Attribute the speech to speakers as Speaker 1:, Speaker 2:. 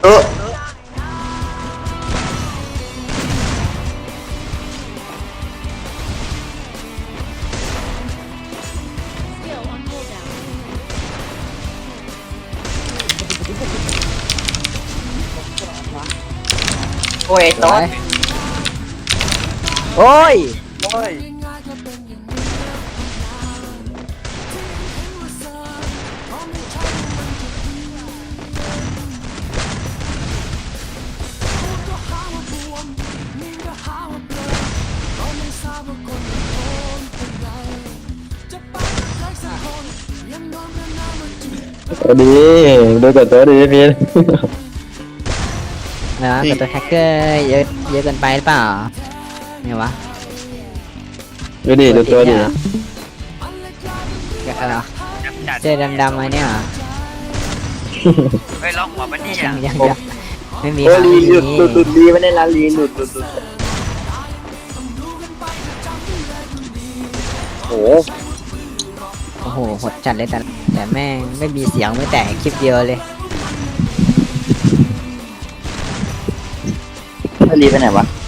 Speaker 1: เออ
Speaker 2: โอ้ย
Speaker 3: ส
Speaker 2: ต้
Speaker 3: วน ยโอ้ย
Speaker 1: โอ้ย
Speaker 4: ตัวดีดูกับตัวดีพี่
Speaker 3: นะกับตัวแฮกเกอร์เยอะเยอะเกินไปหรือเปล่าไงวะ
Speaker 4: ดูดิดูตัวดิ
Speaker 3: อะไรวะ
Speaker 2: จัด
Speaker 3: เสื้อดำๆมาเนี่ยเหรอ
Speaker 2: เฮ้ยล็อกหัวมันนี่
Speaker 3: ยั
Speaker 2: อ่ะ
Speaker 3: งไม่มี
Speaker 1: โอ้
Speaker 3: ครับ
Speaker 1: ลี
Speaker 3: ไม่
Speaker 1: หลุด
Speaker 3: มี
Speaker 1: หลุดหลุดลีไม่ได้ละลีหลุดหลุดหลุดโอ้
Speaker 3: โอ้โหหดจัดเลยแต่แม่งไม่มีเสียงไม่แต่คลิปเดียวเลย
Speaker 1: ลีไปไหนวะ